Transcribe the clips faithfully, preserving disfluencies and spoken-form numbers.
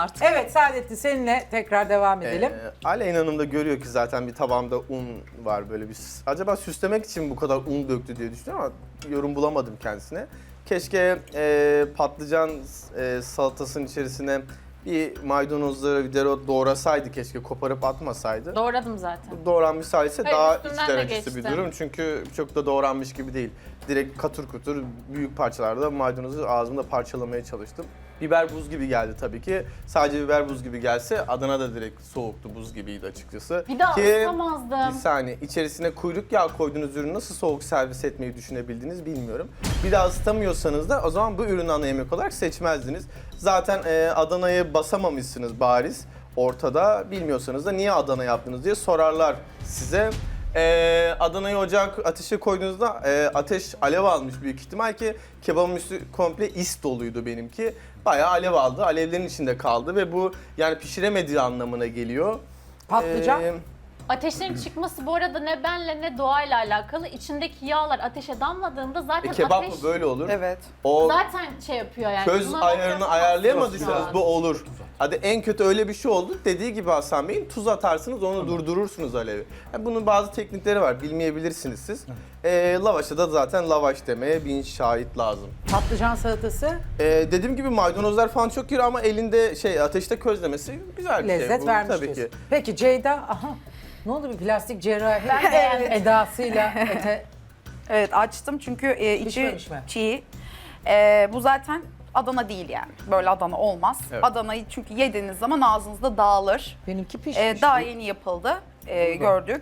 artık. Evet Saadettin seninle tekrar devam edelim. Ee, Aleyna Hanım da görüyor ki zaten bir tabağımda un var böyle bir. Acaba süslemek için bu kadar un döktü diye düşünüyorum ama yorum bulamadım kendisine. Keşke e, patlıcan e, salatasının içerisine bir maydanozları, bir dereot doğrasaydı, keşke koparıp atmasaydı. Doğradım zaten. Doğranmış sayısı Hayır, daha üstünden iç de derecesi bir geçti. durum. Çünkü çok da doğranmış gibi değil. Direkt katır kutur büyük parçalarda maydanozu ağzımda parçalamaya çalıştım. Biber buz gibi geldi tabii ki. Sadece biber buz gibi gelse Adana da direkt soğuktu, buz gibiydi açıkçası. Bir daha Ki, ısıtamazdım. bir saniye, içerisine kuyruk yağı koyduğunuz ürünü nasıl soğuk servis etmeyi düşünebildiniz bilmiyorum. Bir daha ısıtamıyorsanız da o zaman bu ürünü ana yemek olarak seçmezdiniz. Zaten e, Adana'yı basamamışsınız bariz ortada. Bilmiyorsanız da niye Adana yaptınız diye sorarlar size. Ee, Adana'yı ocak ateşe koyduğunuzda e, ateş alev almış büyük ihtimal ki kebabın üstü komple is doluydu benimki. Bayağı alev aldı, alevlerin içinde kaldı ve bu yani pişiremediği anlamına geliyor. Patlıcan. Ee, Ateşlerin çıkması bu arada ne benle ne doğayla alakalı. İçindeki yağlar ateşe damladığında zaten e, kebap ateş mı böyle olur? Evet. O zaten şey yapıyor yani. köz Buna ayarını yapamazsınız ayarlayamadıysanız şu bu an. olur. Hadi en kötü öyle bir şey oldu. Dediği gibi Hasan Bey'in tuz atarsınız, onu durdurursunuz alevi. Yani bunun bazı teknikleri var, bilmeyebilirsiniz siz. Ee, lavaşa da zaten lavaş demeye bin şahit lazım. Patlıcan salatası Ee, dediğim gibi maydanozlar falan çok iyi ama elinde şey ateşte közlemesi güzel bir şey. lezzet bu, vermiş tabii diyorsun. ki. Peki Ceyda, aha ne oldu bir plastik cerrahi Ben beğendim. edasıyla ete Evet açtım çünkü e, içi Pişmemiş mi? çiğ. E, bu zaten Adana değil yani. Böyle Adana olmaz. Evet. Adana'yı çünkü yediğiniz zaman ağzınızda dağılır. benimki pişmiş. E, daha yeni yapıldı. E, gördük.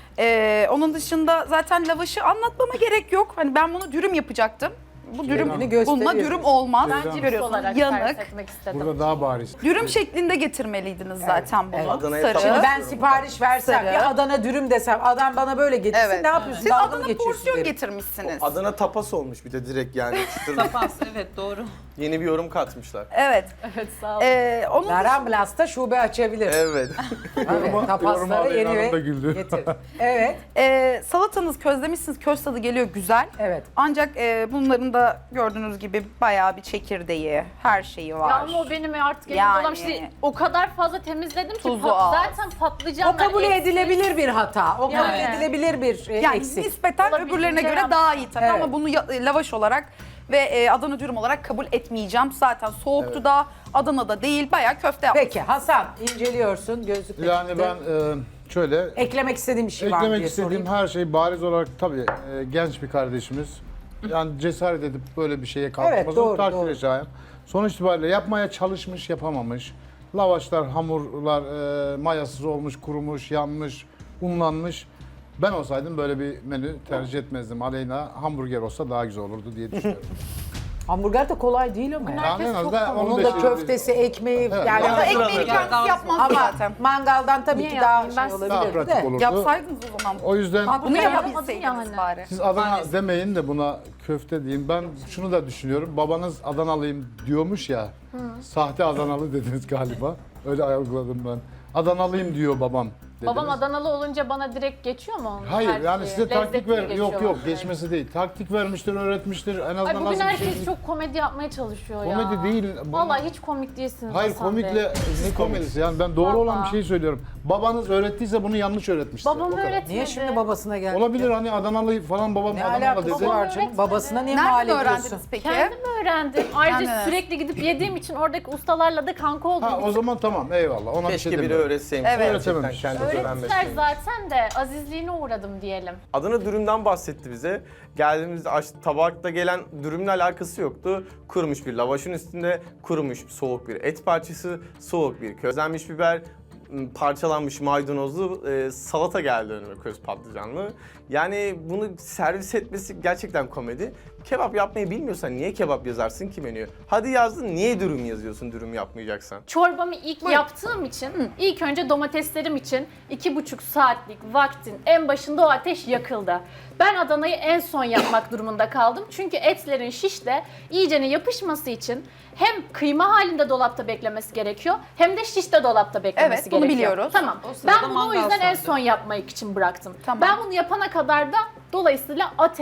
E, onun dışında zaten lavaşı anlatmama gerek yok. Hani ben bunu dürüm yapacaktım. Bu dürüm, Kendini gösteriyor. bununla dürüm olmaz. Ben cips Görüyorsunuz, olarak yanık. servis etmek istedim. Burada daha bariz. Dürüm şeklinde getirmeliydiniz zaten bunu. evet. Adana'ya Sarı. tamam. Şimdi ben sipariş versem Sarı. bir Adana dürüm desem adam bana böyle getirsin Evet. ne yapıyorsun? Siz Dalga mı Adana geçiyorsun porsiyon derim. getirmişsiniz. Adana tapas olmuş bir de direkt yani. Çıtır- Tapas, evet doğru. Yeni bir yorum katmışlar. Evet. Evet sağ olun. E, onun Naramblas'ta şube açabilir. Evet. Evet, Yoruma- tapasları yoruma yeni Aleyna Hanım da ve güldü. getir. Evet, Ee, salatanız közlemişsiniz, köz tadı geliyor güzel. evet. Ancak e, bunların da gördüğünüz gibi bayağı bir çekirdeği, her şeyi var. Ya ama o benim artık elimde Yani. olan şey. O kadar fazla temizledim ki Tuzu pat- az. zaten patlıcanlar O kabul eksik. edilebilir bir hata. O kabul Yani. edilebilir bir e, yani eksik. nispeten Olabildiğince öbürlerine göre yaptım. daha iyi tabii Evet. ama bunu ya- lavaş olarak ve e, Adana dürüm olarak kabul etmeyeceğim. Zaten soğuktu Evet. da Adana'da değil, bayağı köfte yaptım. Peki Hasan inceliyorsun gözlükle Yani çıktı. ben e, şöyle Eklemek istediğim bir şey var mı eklemek diye istediğim sorayım. her şey bariz olarak tabii e, genç bir kardeşimiz. Yani cesaret edip böyle bir şeye kalkması doğru, takdir doğru. edeceğim. Sonuç itibariyle yapmaya çalışmış, yapamamış. Lavaşlar, hamurlar e, mayasız olmuş, kurumuş, yanmış, unlanmış. Ben olsaydım böyle bir menü tercih etmezdim. Aleyna hamburger olsa daha güzel olurdu diye düşünüyorum. Hamburger de kolay değil ama ya. Yani en azından onun Onun da köftesi, ekmeği Evet. yani Ya da ekmeği Hazır kendisi hazır. yapmaz ama zaten. mangaldan tabii Niye ki daha yapmayayım? Ben şey size- daha olabilir pratik de. olurdu. Yapsaydınız o zaman. O yüzden Bunu Ben yapabilseydiniz yapmadım yani. bari. siz Adana Maalesef. demeyin de buna köfte deyin. Ben şunu da düşünüyorum. Babanız Adanalıyım diyormuş ya. Sahte Adanalı dediniz galiba. Öyle algıladım ben. Adanalıyım diyor babam dediniz. Babam Adanalı olunca bana direkt geçiyor mu onun Hayır her yani şeyi? size taktik Lezzetli ver. geçiyor Yok yok bana. geçmesi değil. Taktik vermiştir, öğretmiştir. En azından Ay bugün nasıl bir herkes şey. çok komedi yapmaya çalışıyor ya. Komedi değil. Bu- Vallahi hiç komik değilsiniz Hayır Hasan Bey. komikle ne komedisi yani ben doğru olan bir Vallahi. şeyi söylüyorum. Babanız öğrettiyse bunu yanlış öğretmiştir. Babam O kadar. öğretmedi. Niye şimdi babasına geldi? Olabilir hani Adanalı falan babam Ne Adanalı alakası dedi. var Babam canım? öğretmedi. Babasına niye mal Nereden ediyorsun? öğrendiniz peki? Kendim öğrendim. Ayrıca Kendiniz. sürekli gidip yediğim için oradaki ustalarla da kanka oldum. Ha o zaman tamam eyvallah ona bir Keşke şey biri demiyorum. öğretseymiş. Evet. Gerçekten Öğretememiş. kendisi Öğrettiler öğrenmeseymiş. zaten de azizliğine uğradım diyelim. Adana dürümden bahsetti bize. Geldiğimizde aç, tabakta gelen dürümle alakası yoktu. Kurumuş bir lavaşın üstünde kurumuş soğuk bir et parçası, soğuk bir közlenmiş biber, m, parçalanmış maydanozlu e, salata geldi önüme köz patlıcanlı. Yani bunu servis etmesi gerçekten komedi. Kebap yapmayı bilmiyorsan niye kebap yazarsın ki menüye? Hadi yazdın niye dürüm yazıyorsun dürüm yapmayacaksan? Çorbamı ilk yaptığım için, ilk önce domateslerim için iki buçuk saatlik vaktin en başında o ateş yakıldı. Ben Adana'yı en son yapmak durumunda kaldım. Çünkü etlerin şişte iyicene yapışması için hem kıyma halinde dolapta beklemesi gerekiyor hem de şişte dolapta beklemesi Evet, bunu gerekiyor. biliyoruz. Tamam. O sırada Ben bunu o mangal yüzden en söndü. son yapmak için bıraktım. Tamam. Ben bunu yapana kadar da dolayısıyla ateş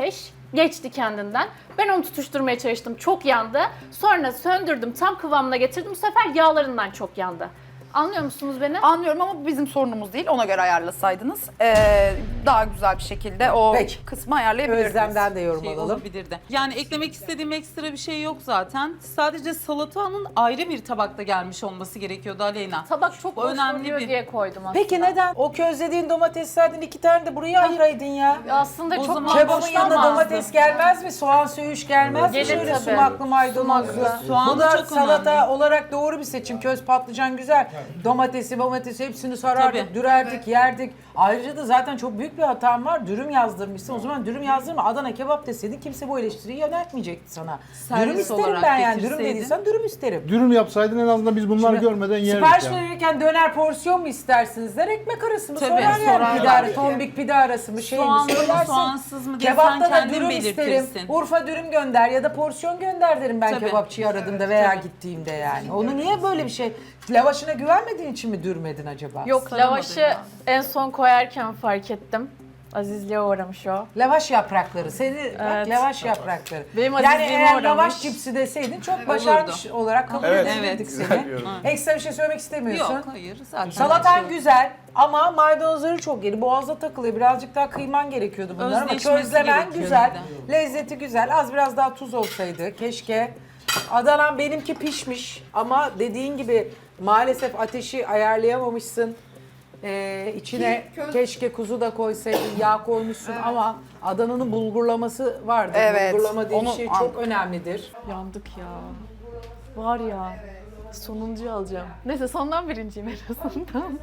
Geçti kendinden. Ben onu tutuşturmaya çalıştım. Çok yandı. Sonra söndürdüm. Tam kıvamına getirdim. Bu sefer yağlarından çok yandı. Anlıyor musunuz beni? Anlıyorum ama bu bizim sorunumuz değil. Ona göre ayarlasaydınız ee, daha güzel bir şekilde o Peki. kısmı ayarlayabilirdiniz. Özlem'den de yorum şey alalım. olabilirdi. Yani eklemek istediğim ekstra bir şey yok zaten. Sadece salatanın ayrı bir tabakta gelmiş olması gerekiyordu Aleyna. Tabak çok Bu boş önemli duruyor bir- diye koydum aslında. Peki neden? O közlediğin domateslerden iki tane de buraya ayıraydın ya. Aslında O çok zaman Kebabın boş yanına olmazdı. domates gelmez mi? Soğan söğüş gelmez mi? Gelir Şöyle tabii. sumaklı maydanozlu. Sumaklı. Soğan Bu da çok salata önemli. olarak doğru bir seçim. Köz patlıcan güzel. Domatesi, domatesi hepsini sarardık, Tabii. dürerdik, yerdik. Ayrıca da zaten çok büyük bir hatam var. Dürüm yazdırmışsın. O zaman dürüm yazdırma. Adana kebap deseydin kimse bu eleştiriyi yöneltmeyecekti sana. Servis Dürüm isterim olarak ben yani. Dürüm getirseydin. dediysen dürüm isterim. Dürüm yapsaydın en azından biz bunları Şimdi görmeden yerdik Sipariş yani. verirken döner porsiyon mu istersiniz der, ekmek arası mı Tabii, sorar yani sorarlar. pide arası, tombik pide arası mı şey mi Soğanlı mı, söylersin. soğansız mı diye Kebapta sen da kendin dürüm belirtirsin. isterim, Urfa dürüm gönder ya da porsiyon gönder derim ben Tabii. kebapçıyı aradığımda veya gittiğimde yani. Onu niye böyle bir şey, lavaşına güvenmediğin için mi dürmedin acaba? Yok, Saramadı lavaşı ya. en son koyarken fark ettim. Azizliğe uğramış o. Lavaş yaprakları, seni bak Evet. lavaş yaprakları. Benim yani azizliğime eğer uğramış. lavaş cipsi deseydin çok başarmış olarak kabul Evet. edebilirdik Evet. Güzel seni. bir yorum. Ekstra bir şey söylemek istemiyorsun. Yok hayır zaten. Salatan şey- güzel ama maydanozları çok yeri. Boğazda takılıyor. Birazcık daha kıyman gerekiyordu bunlar ama Özleşmesi közlemen gerekiyor güzel. bir de. Lezzeti güzel. Az biraz daha tuz olsaydı keşke. Adana'm benimki pişmiş ama dediğin gibi maalesef ateşi ayarlayamamışsın. Ee, içine keşke kuzu da koysaydın, yağ koymuşsun ama Adana'nın bulgurlaması vardır. Evet, Bulgurlama diye bir onu şey an- çok önemlidir. Yandık ya. Var ya. Sonuncu alacağım. Neyse sondan birinciyim en azından.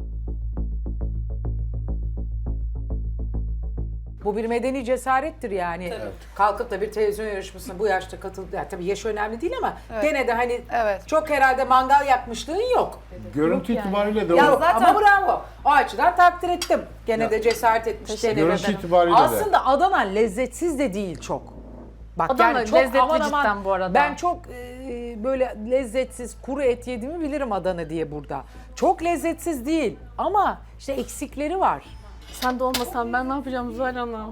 Bu bir medeni cesarettir yani. Kalkıp da bir televizyon yarışmasına bu yaşta katılıp, yani tabii yaş önemli değil ama gene de hani Evet. çok herhalde mangal yakmışlığın yok. Görüntü itibariyle de Ya o. zaten- Ama bravo. O açıdan takdir ettim. Gene de cesaret etmiş. Teşekkür denemeden. Görüntü itibariyle de. Aslında Adana lezzetsiz de değil çok. Bak Adana yani çok lezzetli aman aman, cidden bu arada. Ben çok e, böyle lezzetsiz kuru et yediğimi bilirim Adana diye burada. Çok lezzetsiz değil ama işte eksikleri var. Sen de olmasan ben ne yapacağım Zuhal Hanım?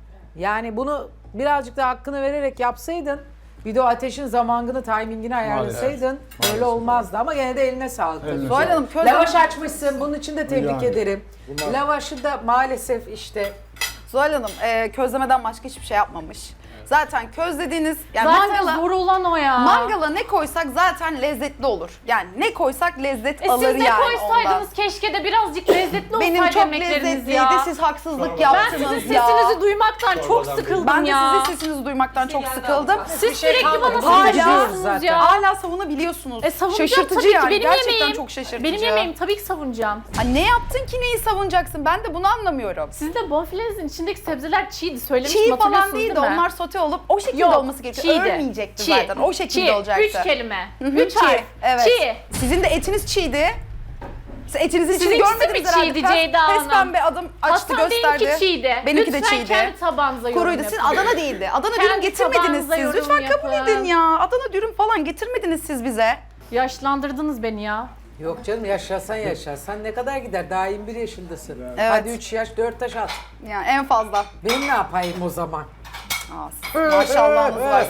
Yani bunu birazcık da hakkını vererek yapsaydın, bir de o ateşin zamanını, timingini ayarlasaydın öyle olmazdı. Ama gene de eline sağlık. tabii. Eline Zuhal Hanım közleme, Lavaş açmışsın, bunun için de tebrik Yani. ederim. Bunlar- Lavaşı da maalesef işte Zuhal Hanım e, közlemeden başka hiçbir şey yapmamış. Zaten közlediğiniz yani Zaten mangala, vurulan o ya. mangala ne koysak zaten lezzetli olur. Yani ne koysak lezzet E alır siz de yani koysaydınız ondan. keşke de birazcık lezzetli Benim olsaydı çok yemekleriniz lezzetliydi. ya. Siz haksızlık Ben yaptınız sizin ya. sesinizi duymaktan çok sıkıldım Ben de ya. sizin sesinizi duymaktan çok sıkıldım. Siz Bir şey sürekli kalmadı. bana Hala- savunuyorsunuz zaten. ya. Hala savunabiliyorsunuz. E savunacağım Şaşırtıcı tabii ki. yani. Benim Gerçekten yemeğim. çok şaşırtıcı. Benim yemeğim tabii ki savunacağım. Ha, ne yaptın ki neyi savunacaksın? Ben de bunu anlamıyorum. Sizde bonfilenizin içindeki sebzeler çiğdi. Söylemiştim, Çiğ falan hatırlıyorsunuz değil de değil mi? onlar sote olup o şekilde Yok, olması gerekiyor. çiğdi. Ölmeyecekti Çiğ. zaten. O şekilde Çiğ. olacaktı. Üç kelime. Hı hı, Üç çiğ. harf. Evet. Çiğ. Sizin de etiniz çiğdi. Siz etinizin içini Sizinkisi görmediniz mi herhalde. çiğdi Pes- Ceyda Hanım? Pes pembe adım açtı Hasan gösterdi. benimki çiğdi. Benimki de Lütfen çiğdi. kendi tabağınıza yorum Kuruydu. Sizin yapın. Adana değildi. Adana Kendi dürüm getirmediniz tabağınıza siz. yorum Lütfen kabul yapın. edin ya. Adana dürüm falan getirmediniz siz bize. Yaşlandırdınız beni ya. yok canım yaşasan yaşasan ne kadar gider? Daha yirmi bir yaşındasın. Evet. Hadi üç yaş dört taş at. Yani en fazla. Ben ne yapayım o zaman? Aa, siz- Maşallahınız var.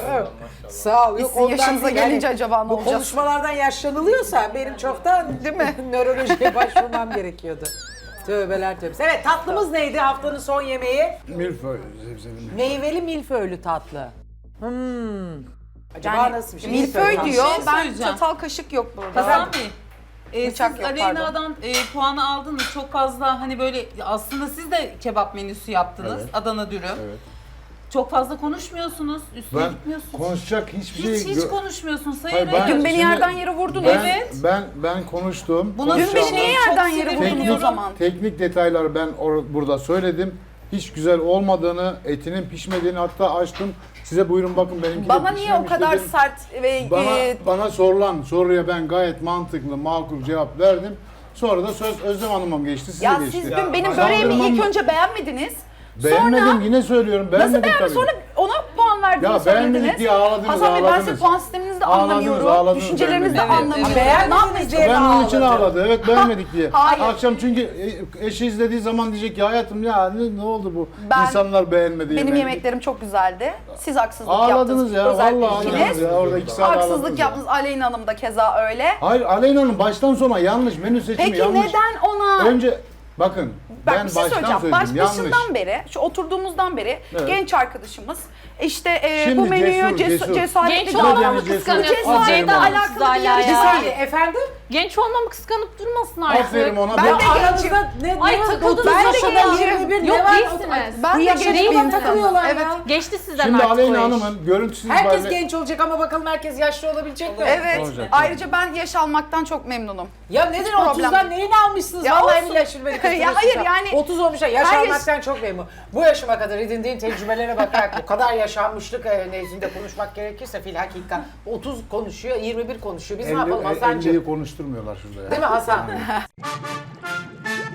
Sağ ol. Yok, Sizin ondan yaşınıza değil. Yani gelince acaba ne bu olacak? konuşmalardan yaşlanılıyorsa benim çoktan Değil mi? nörolojiye başvurmam gerekiyordu. Tövbeler tövbesi. Evet, tatlımız neydi haftanın son yemeği? Milföy zevzeli. Meyveli milföylü tatlı. Hmm. Acaba Yani nasıl bir şey? milföy tatlı. diyor. şey ben söyleyeceğim. çatal kaşık yok burada. Hasan Bey, e, Bıçak siz yok, Aleyna'dan e, puanı aldınız. Çok fazla hani böyle aslında siz de kebap menüsü yaptınız. Evet. Adana dürüm. Evet. Çok fazla konuşmuyorsunuz. Üstüne Ben gitmiyorsunuz. konuşacak hiçbir hiç şey... hiç gö- konuşmuyorsunuz. Hayır, Hayır, ben- hayır. Dün beni Şimdi- yerden yere vurdunuz. Ben, Evet. ben ben konuştum. Buna Dün konuşacağım. beni niye Çok yerden yere sinirleniyorum. vurdunuz o zaman? Teknik detayları ben or- burada söyledim. Hiç güzel olmadığını, etinin pişmediğini hatta açtım. Size buyurun bakın benimki de Bana niye o pişmemiş kadar dedim. sert ve Bana, e, bana sorulan soruya ben gayet mantıklı, makul cevap verdim. Sonra da söz Özlem Hanım'a geçti, size ya geçti. siz dün benim Sandırmam- böreğimi ilk önce beğenmediniz. Beğenmedim, Sonra yine söylüyorum. nasıl Beğenmedim beğendiniz? tabii. Sonra ona puan verdiniz, Ya beğenmedik söylediniz. diye ağladınız, Hasan Bey ben ağladınız. size puan sisteminizi de de Ağladınız, anlamıyorum. ağladınız, Düşüncelerinizi de beğenmedim. anlamıyorum. Beğenmediniz diye mi Ben onun için ağladı? ağladı. Evet beğenmedik diye. Hayır. Akşam çünkü e- eşi izlediği zaman diyecek ki hayatım ya ne, ne oldu bu? Ben- İnsanlar beğenmedi Benim yemeği. yemeklerim çok güzeldi. Siz haksızlık Ağladınız yaptınız. ya Özellikle vallahi ikiniz. ağladınız ya. Orada iki saat ağladınız Haksızlık ya. yaptınız. Aleyna Hanım da keza öyle. Hayır Aleyna'nın baştan sona yanlış. Menü seçimi Peki yanlış. neden ona... Önce bakın Bak ben bir şey baştan söyleyeceğim. söyledim Baş, yanlış. başından beri, şu oturduğumuzdan beri Evet. genç arkadaşımız işte e, Şimdi bu menüyü cesur, ces- cesur. cesaretli Genç olmamı olmamı cesur. kıskanıyorsunuz. cesaretle Aferin ona. alakalı bir Hala yarışma ya. Bir değil. saniye efendim. Genç olmamı kıskanıp durmasın artık. Aferin ona. Ben Ben de Aranızda ne, Ay, ne var? takıldınız otuz ben de yaşında gencim. yirmi bir Yok, ne var? değilsiniz. Ben Bu de yaşta genç bir buna insanım. takılıyorlar Evet. ya. Geçti sizden Şimdi artık Aleyna o iş. Hanım'ın görüntüsüz Herkes itibariyle- genç olacak ama bakalım herkes yaşlı olabilecek mi? Evet. Olacak. Ayrıca ben yaş almaktan çok memnunum. Ya nedir problem otuzdan değil. neyini almışsınız? Ya Vallahi olsun. billahi şimdi beni Ya kızdırıyorsunuz hayır ya. yani- otuz olmuşlar. Yaş Hayır. almaktan çok memnun. Bu yaşıma kadar edindiğin tecrübelere bakarak bu kadar yaşanmışlık e, nezdinde konuşmak gerekirse filhakika otuz konuşuyor, yirmi bir konuşuyor. Biz ne yapalım elli- Hasan'cığım? elliyi konuşturmuyorlar şurada ya. Değil mi Hasan?